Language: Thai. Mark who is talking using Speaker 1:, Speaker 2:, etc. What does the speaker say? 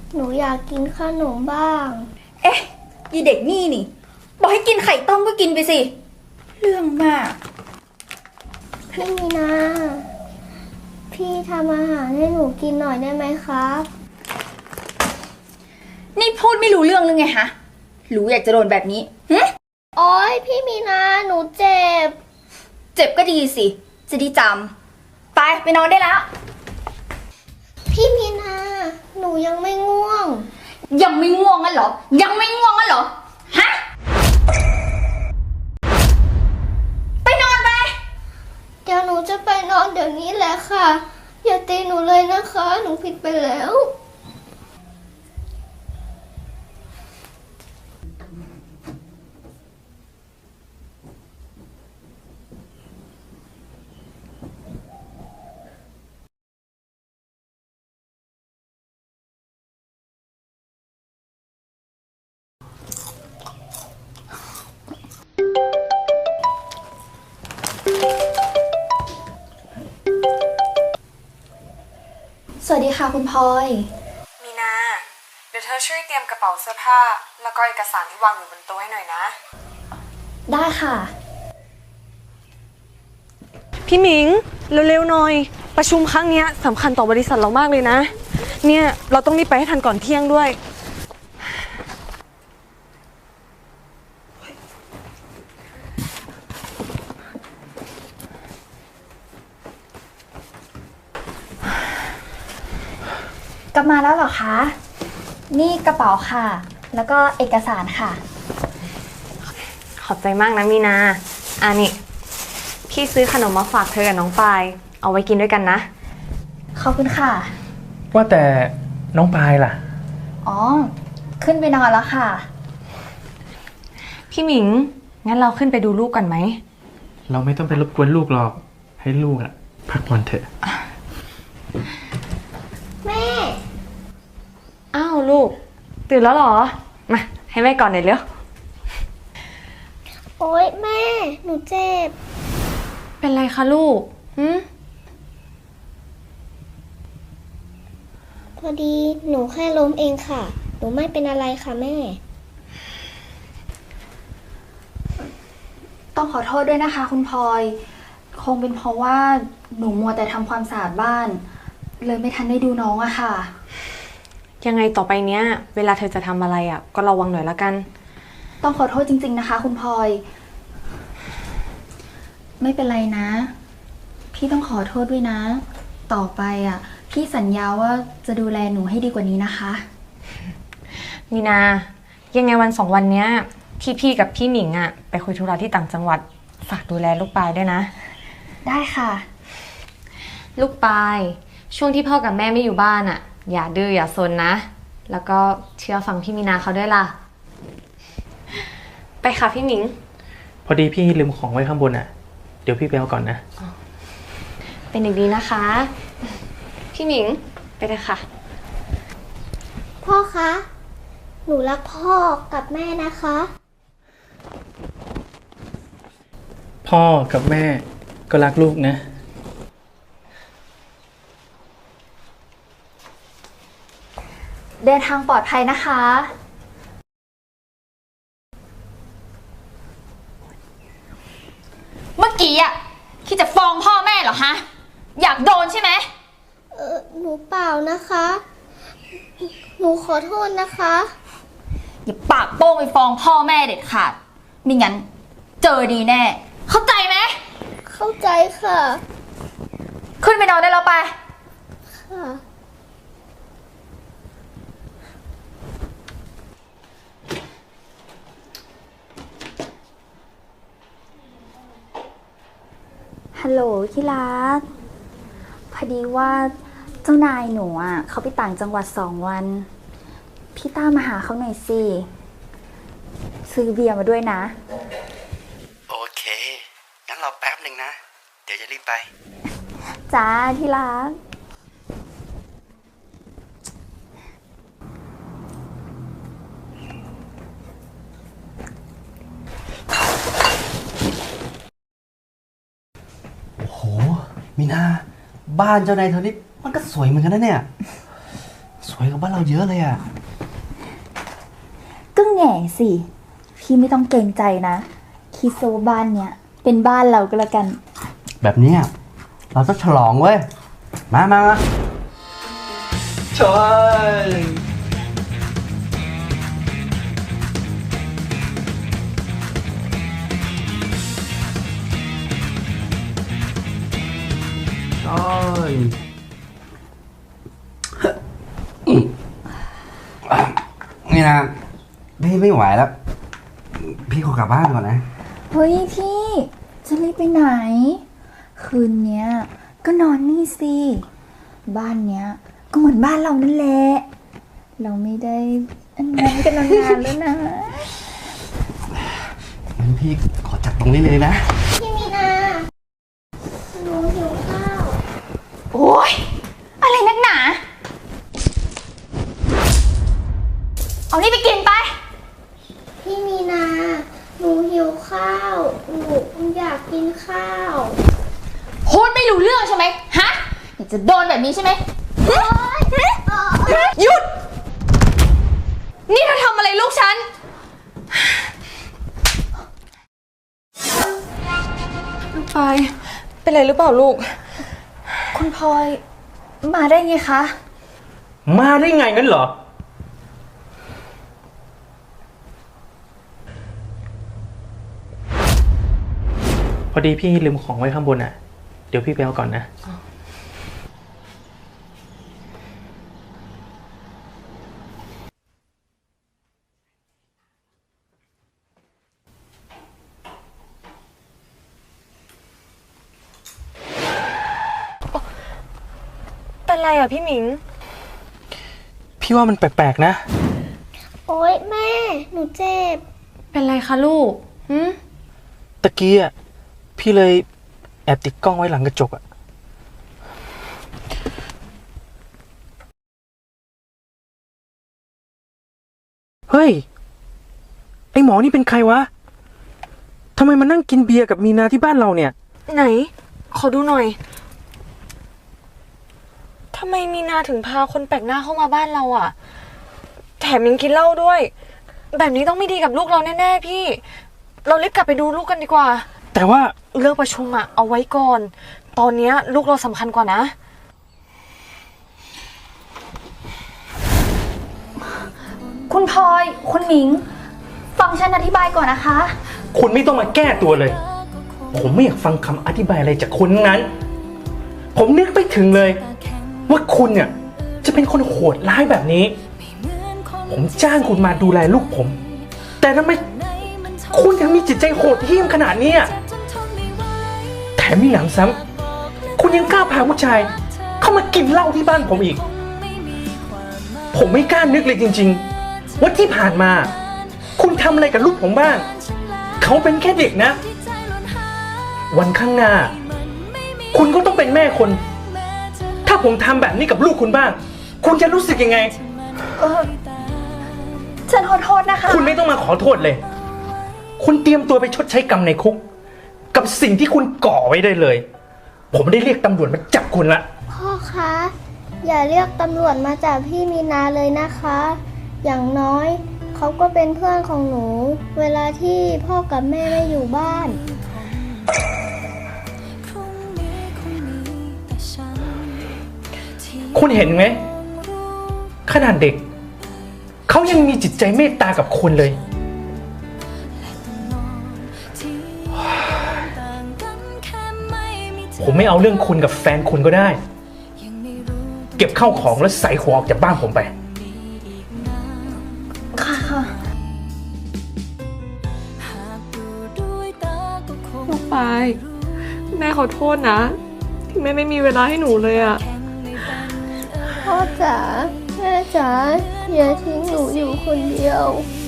Speaker 1: หนูอยากกินขนมบ้าง
Speaker 2: เอ๊ะยีเด็กนี่บอกให้กินไข่ต้มก็กินไปสิ เรื่องมาก
Speaker 1: พี่มีนา พี่ทำอาหารให้หนูกินหน่อยได้ไหมครับ
Speaker 2: นี่พูดไม่รู้เรื่องหรือไงฮะ รู้อยากจะโดนแบบนี้หึ
Speaker 1: โอ๊ยพี่มีนา หนูเจ็บ
Speaker 2: เจ็บก็ดีสิ จะได้จำไปนอนได้แล้ว
Speaker 1: พี่มีนา หนูยังไม่ง่วง
Speaker 2: ยังไม่ง่วงงั้นเหรอ ยังไม่ง่วงงั้นเหรอ ฮะ ไปนอนไป
Speaker 1: เดี๋ยวหนูจะไปนอนเดี๋ยวนี้แหละค่ะ อย่าตีหนูเลยนะคะ หนูผิดไปแล้ว
Speaker 2: สวัสดีค่ะคุณพลอย
Speaker 3: มีนา เดี๋ยวเธอช่วยเตรียมกระเป๋าเสื้อผ้า แล้วก็เอกสารที่วางอยู่บนโต๊ะให้หน่อยนะ
Speaker 2: ได้ค่ะ
Speaker 4: พี่หมิงเร็วๆหน่อย ประชุมครั้งนี้สำคัญต่อบริษัทเรามากเลยนะ เนี่ยเราต้องรีบไปให้ทันก่อนเที่ยงด้วย
Speaker 2: กลับมาแล้วเหรอคะ นี่กระเป๋าค่ะ แล้วก็เอกสารค่ะ
Speaker 4: ขอบใจมากนะมีนานี่พี่ซื้อขนมมาฝากเธอกับน้องปายเอาไว้กินด้วยกันนะ
Speaker 2: ขอบคุณค่ะ
Speaker 5: ว่าแต่น้องปายล่ะ
Speaker 2: อ๋อ ขึ้นไปนอนแล้วค่ะ
Speaker 4: พี่หมิงงั้นเราขึ้นไปดูลูกกันไหม
Speaker 5: เราไม่ต้องไปรบกวนลูกหรอก ให้ลูกพักผ่อนเถอะ
Speaker 1: แม่
Speaker 4: อ้าวลูกตื่นแล้วเหรอมาให้แม่ก่อนหน่อยเร็ว
Speaker 1: โอ๊ยแม่ หนูเจ็บ
Speaker 4: เป็นไรคะลูกหืม
Speaker 1: พอดีหนูแค่ล้มเองค่ะ หนูไม่เป็นอะไรค่ะแม่
Speaker 2: ต้องขอโทษด้วยนะคะ คุณพลอย คงเป็นเพราะว่าหนูมัวแต่ทำความสะอาดบ้าน เลยไม่ทันได้ดูน้องอะค่ะ
Speaker 4: ยังไงต่อไปเนี้ยเวลาเธอจะทำอะไรก็ระวังหน่อยละกัน
Speaker 2: ต้องขอโทษจริงๆนะคะ คุณพลอย ไม่เป็นไรนะ พี่ต้องขอโทษด้วยนะ ต่อไปพี่สัญญาว่าจะดูแลหนูให้ดีกว่านี้นะคะ
Speaker 4: มีนายังไงวันสองวันเนี้ยพี่กับพี่หมิงไปคุยธุระที่ต่างจังหวัดฝากดูแลลูกปายด้วยนะ
Speaker 2: ได้ค่ะ
Speaker 4: ลูกปายช่วงที่พ่อกับแม่ไม่อยู่บ้านอย่าดื้ออย่าซนนะ แล้วก็เชื่อฟังพี่มีนาเขาด้วยล่ะ ไปค่ะพี่หมิง
Speaker 5: พอดีพี่ลืมของไว้ข้างบนเดี๋ยวพี่ไปเอาก่อนนะ
Speaker 4: เป็นเด็กดีนะคะ พี่หมิงไปเลยค่ะ
Speaker 1: พ่อคะ หนูรักพ่อกับแม่นะคะ
Speaker 5: พ่อกับแม่ก็รักลูกนะ
Speaker 2: เดินทางปลอดภัยนะคะ เมื่อกี้คิดจะฟ้องพ่อแม่เหรอฮะ อยากโดนใช่ไหม
Speaker 1: หนูเปล่านะคะ หนูขอโทษนะคะ
Speaker 2: อย่าปากโป้งไปฟ้องพ่อแม่เด็ดขาดไม่งั้นเจอดีแน่ เข้าใจไหม
Speaker 1: เข้าใจค่ะ
Speaker 2: ขึ้นไปนอนได้แล้วไป
Speaker 1: ค่ะ
Speaker 2: ฮัลโหลที่รัก พอดีว่าเจ้านายหนูเขาไปต่างจังหวัด2 วัน พี่ต้ามาหาเขาหน่อยสิ ซื้อเบียร์มาด้วยนะ
Speaker 6: โอเค งั้นรอแป๊บหนึ่งนะ เดี๋ยวจะรีบไป
Speaker 2: จ้าที่รัก
Speaker 6: โห มีนา บ้านเจ้านายเธอนี่มันก็สวยเหมือนกันนะเนี่ย สวยวยกว่าบ้านเราเยอะเลยอะ
Speaker 2: ก็แง่สิ พี่ไม่ต้องเกรงใจนะคิดซะว่าบ้านเนี้ยเป็นบ้านเราก็แล้วกัน
Speaker 6: แบบเนี้ยเราต้องฉลองเว้ย มาใช่ ใช่ นี่นะ พี่ไม่ไหวแล้ว พี่ขอกลับบ้านก่อนนะ
Speaker 2: เฮ้ยพี่จะรีบไปไหน คืนเนี้ยก็นอนนี่สิ บ้านเนี้ยก็เหมือนบ้านเรานั่นแหละ เราไม่ได้อันนั้นกันนานๆแล้วนะ
Speaker 6: งั้นพี่ขอจัดตรงนี้เลยนะ
Speaker 1: พี่มีนาหนูหิวข้าว
Speaker 2: โอ๊ย อะไรนักหนา เอานี่ไปกินไป
Speaker 1: พี่มีนาหนูหิวข้าว หนูอยากกินข้าว
Speaker 2: พูดไม่รู้เรื่องใช่ไหมฮะอยากจะโดนแบบนี้ใช่ไหมหยุด นี่เธอทำอะไรลูกฉัน
Speaker 4: ลูกปายเป็นไรหรือเปล่าลูก
Speaker 2: คุณพลอยมาได้ไงคะ
Speaker 5: มาได้ไงงั้นเหรอ พอดีพี่ลืมของไว้ข้างบนอ่ะ เดี๋ยวพี่ไปเอาก่อนนะ
Speaker 4: เป็นไรอ่ะพี่หมิง
Speaker 5: พี่ว่ามันแปลกๆนะ
Speaker 1: โอ๊ยแม่ หนูเจ็บ
Speaker 4: เป็นไรคะลูกหืม
Speaker 5: ตะกี้อ่ะ พี่เลยแอบติดกล้องไว้หลังกระจกอ่ะ เฮ้ย ไอหมอนี่เป็นใครวะ ทำไมมานั่งกินเบียร์กับมีนาที่บ้านเราเนี่ย
Speaker 4: ไหน ขอดูหน่อย ทำไมมีนาถึงพาคนแปลกหน้าเข้ามาบ้านเราอ่ะ แถมยังกินเหล้าด้วย แบบนี้ต้องไม่ดีกับลูกเราแน่ๆพี่ เรารีบกลับไปดูลูกกันดีกว่า
Speaker 5: แต่ว่า
Speaker 4: เรื่องประชุมอะเอาไว้ก่อน ตอนเนี้ยลูกเราสำคัญกว่านะ
Speaker 2: คุณพลอย คุณหมิง ฟังฉันอธิบายก่อนนะคะ
Speaker 5: คุณไม่ต้องมาแก้ตัวเลย ผมไม่อยากฟังคำอธิบายอะไรจากคุณทั้งนั้น ผมนึกไม่ถึงเลย ว่าคุณเนี่ยจะเป็นคนโหดร้ายแบบนี้ ผมจ้างคุณมาดูแลลูกผม แต่ทำไมคุณยังมีจิตใจโหดเหี้ยมขนาดนี้อะแถมมีหนำซ้ำคุณยังกล้าพาผู้ชาย เข้ามากินเหล้าที่บ้านผมอีก ผมไม่กล้านึกเลยจริงๆว่าที่ผ่านมา คุณทำอะไรกับลูกผมบ้าง เขาเป็นแค่เด็กนะ วันข้างหน้า คุณก็ต้องเป็นแม่คน ถ้าผมทำแบบนี้กับลูกคุณบ้าง คุณจะรู้สึกยังไง
Speaker 2: ฉันขอโทษนะคะ
Speaker 5: คุณไม่ต้องมาขอโทษเลย คุณเตรียมตัวไปชดใช้กรรมในคุก กับสิ่งที่คุณก่อไว้ได้เลย ผมได้เรียกตำรวจมาจับคุณละ
Speaker 1: พ่อคะ อย่าเรียกตำรวจมาจับพี่มีนาเลยนะคะ อย่างน้อยเขาก็เป็นเพื่อนของหนู เวลาที่พ่อกับแม่ไม่อยู่บ้าน
Speaker 5: คุณเห็นไหมขนาดเด็ก เขายังมีจิตใจเมตตากับคุณเลย ผมไม่เอาเรื่องคุณกับแฟนคุณก็ได้ เก็บเข้าของแล้วใส่หัวออกจากบ้านผมไป
Speaker 2: ค่ะ
Speaker 3: ลูกปาย แม่ขอโทษนะ ที่แม่ไม่มีเวลาให้หนูเลยอะ
Speaker 1: พ่อจ๋า แม่จ๋า อย่าทิ้งหนูอยู่คนเดียว